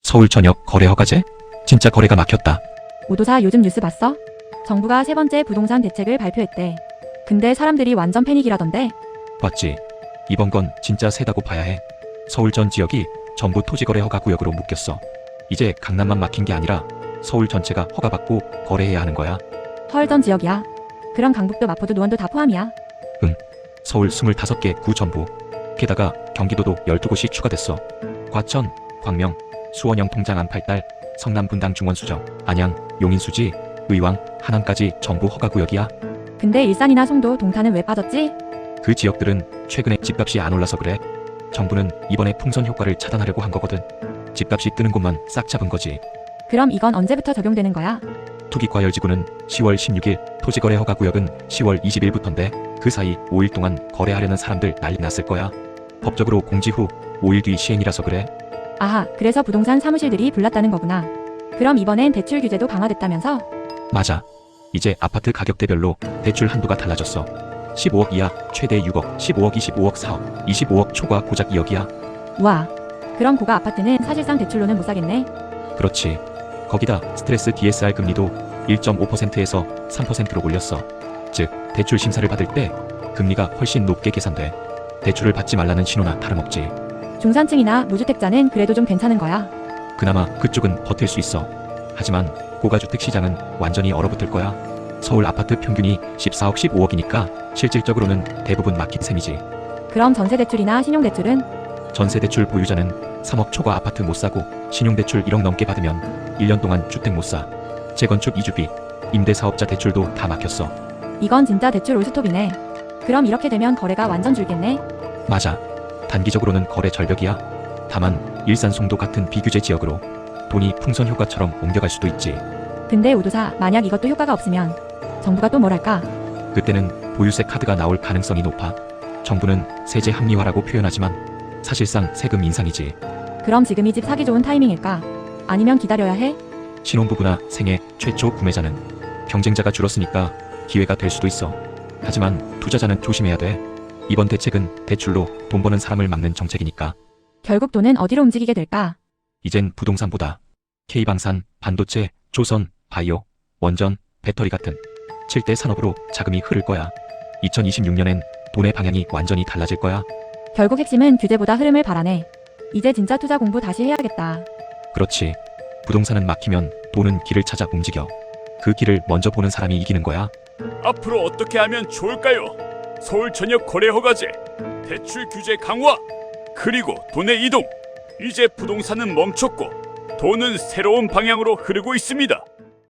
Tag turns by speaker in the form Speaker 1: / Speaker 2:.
Speaker 1: 서울 전역 거래 허가제? 진짜 거래가 막혔다.
Speaker 2: 오도사 요즘 뉴스 봤어? 정부가 세 번째 부동산 대책을 발표했대. 근데 사람들이 완전 패닉이라던데.
Speaker 1: 봤지? 이번 건 진짜 세다고 봐야 해. 서울 전 지역이 전부 토지거래 허가 구역으로 묶였어. 이제 강남만 막힌 게 아니라 서울 전체가 허가받고 거래해야 하는 거야.
Speaker 2: 헐, 전 지역이야. 그럼 강북도 마포도 노원도 다 포함이야.
Speaker 1: 서울 25개 구 전부. 게다가 경기도도 12곳이 추가됐어. 과천, 광명, 수원 영통장 안팔달, 성남 분당 중원수정, 안양, 용인수지, 의왕, 하남까지 전부 허가구역이야.
Speaker 2: 근데 일산이나 송도, 동탄은 왜 빠졌지?
Speaker 1: 그 지역들은 최근에 집값이 안 올라서 그래. 정부는 이번에 풍선 효과를 차단하려고 한 거거든. 집값이 뜨는 곳만 싹 잡은 거지.
Speaker 2: 그럼 이건 언제부터 적용되는 거야?
Speaker 1: 투기과열지구는 10월 16일, 토지거래 허가구역은 10월 20일부터인데 그 사이 5일 동안 거래하려는 사람들 난리 났을 거야. 법적으로 공지 후 5일 뒤 시행이라서 그래.
Speaker 2: 아하, 그래서 부동산 사무실들이 불났다는 거구나. 그럼 이번엔 대출 규제도 강화됐다면서?
Speaker 1: 맞아. 이제 아파트 가격대별로 대출 한도가 달라졌어. 15억 이하 최대 6억, 15억 25억 4억, 25억 초과 고작 2억이야.
Speaker 2: 우와, 그럼 고가 아파트는 사실상 대출로는 못 사겠네.
Speaker 1: 그렇지. 거기다 스트레스 DSR 금리도 1.5%에서 3%로 올렸어. 즉, 대출 심사를 받을 때 금리가 훨씬 높게 계산돼. 대출을 받지 말라는 신호나 다름없지.
Speaker 2: 중산층이나 무주택자는 그래도 좀 괜찮은 거야.
Speaker 1: 그나마 그쪽은 버틸 수 있어. 하지만 고가주택 시장은 완전히 얼어붙을 거야. 서울 아파트 평균이 14억 15억이니까 실질적으로는 대부분 막힌 셈이지.
Speaker 2: 그럼 전세대출이나 신용대출은?
Speaker 1: 전세대출 보유자는 3억 초과 아파트 못 사고 신용대출 1억 넘게 받으면 1년 동안 주택 못 사. 재건축 이주비, 임대사업자 대출도 다 막혔어.
Speaker 2: 이건 진짜 대출 올스톱이네. 그럼 이렇게 되면 거래가 완전 줄겠네.
Speaker 1: 맞아. 단기적으로는 거래 절벽이야. 다만 일산 송도 같은 비규제 지역으로 돈이 풍선 효과처럼 옮겨갈 수도 있지.
Speaker 2: 근데 우도사, 만약 이것도 효과가 없으면 정부가 또 뭘 할까?
Speaker 1: 그때는 보유세 카드가 나올 가능성이 높아. 정부는 세제 합리화라고 표현하지만 사실상 세금 인상이지.
Speaker 2: 그럼 지금이 집 사기 좋은 타이밍일까? 아니면 기다려야 해?
Speaker 1: 신혼부부나 생애 최초 구매자는 경쟁자가 줄었으니까 기회가 될 수도 있어. 하지만 투자자는 조심해야 돼. 이번 대책은 대출로 돈 버는 사람을 막는 정책이니까.
Speaker 2: 결국 돈은 어디로 움직이게 될까?
Speaker 1: 이젠 부동산보다 K방산, 반도체, 조선, 바이오, 원전, 배터리 같은 7대 산업으로 자금이 흐를 거야. 2026년엔 돈의 방향이 완전히 달라질 거야.
Speaker 2: 결국 핵심은 규제보다 흐름을 바라네. 이제 진짜 투자 공부 다시 해야겠다.
Speaker 1: 그렇지. 부동산은 막히면 돈은 길을 찾아 움직여. 그 길을 먼저 보는 사람이 이기는 거야.
Speaker 3: 앞으로 어떻게 하면 좋을까요? 서울 전역 거래 허가제, 대출 규제 강화, 그리고 돈의 이동. 이제 부동산은 멈췄고 돈은 새로운 방향으로 흐르고 있습니다.